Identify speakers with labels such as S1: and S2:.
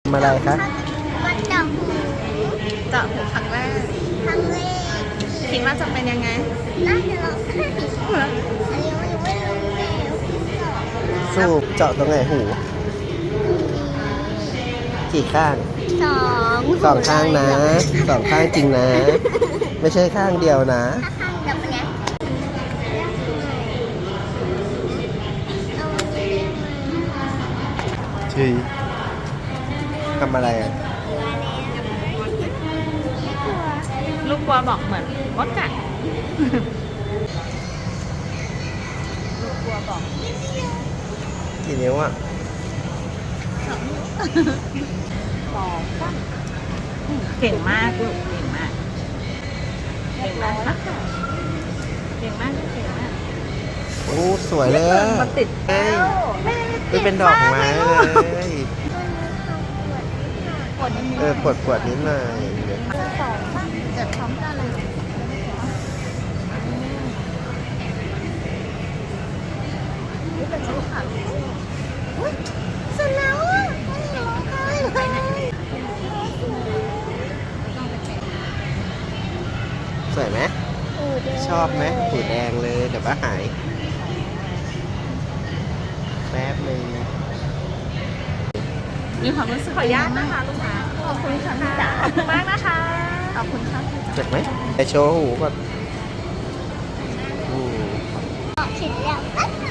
S1: ทำอะไรคะ
S2: มาเจาะหู
S3: เจาะหูครั้งแรก
S2: ครั้งแรก
S3: คิดว่าจะเป็นยังไง
S2: น่าจะร้องไห้อันนี้ยังไม่รู้แล้ว
S1: สูบเจาะตรงไหนหูกี่ข้างสองข้างนะสองข้างจริงนะ ไม่ใช่ข้างเดียวนะ
S2: ถ้าข้างเดียวเป็นไง
S1: ชีทำอะไรอ่ะ
S3: ลูกกลัวบอกเหมือนมดกัดลูกกลัวบอก
S1: กี่นิ้วอ่ะ
S3: เก่งมากลูกเก่งมากเก่งมากค่ะเก่งมากเก่งมาก
S1: โอ้สวยเลย
S3: มันติด
S1: นี่เป็นดอกไม้เลยปวดนิดหน่อย
S3: เจ็บพร้อมกันเลยนี่เป็นลูกค่ะ
S2: เสร็จแล้วอ่ะไม่ร้องไห้เลย
S1: สวยไหมชอบไหมหูแดงเลยเดี๋ยวก็หายแป๊บนึง
S3: มีความรู้สึกขออนุญาตนะคะลูกค้าขอบคุณค่ะขอบคุณมากนะคะขอบคุณค่ะ
S1: เจ็บไหมไปโชว์หูก่อน
S2: เสร็จแล้ว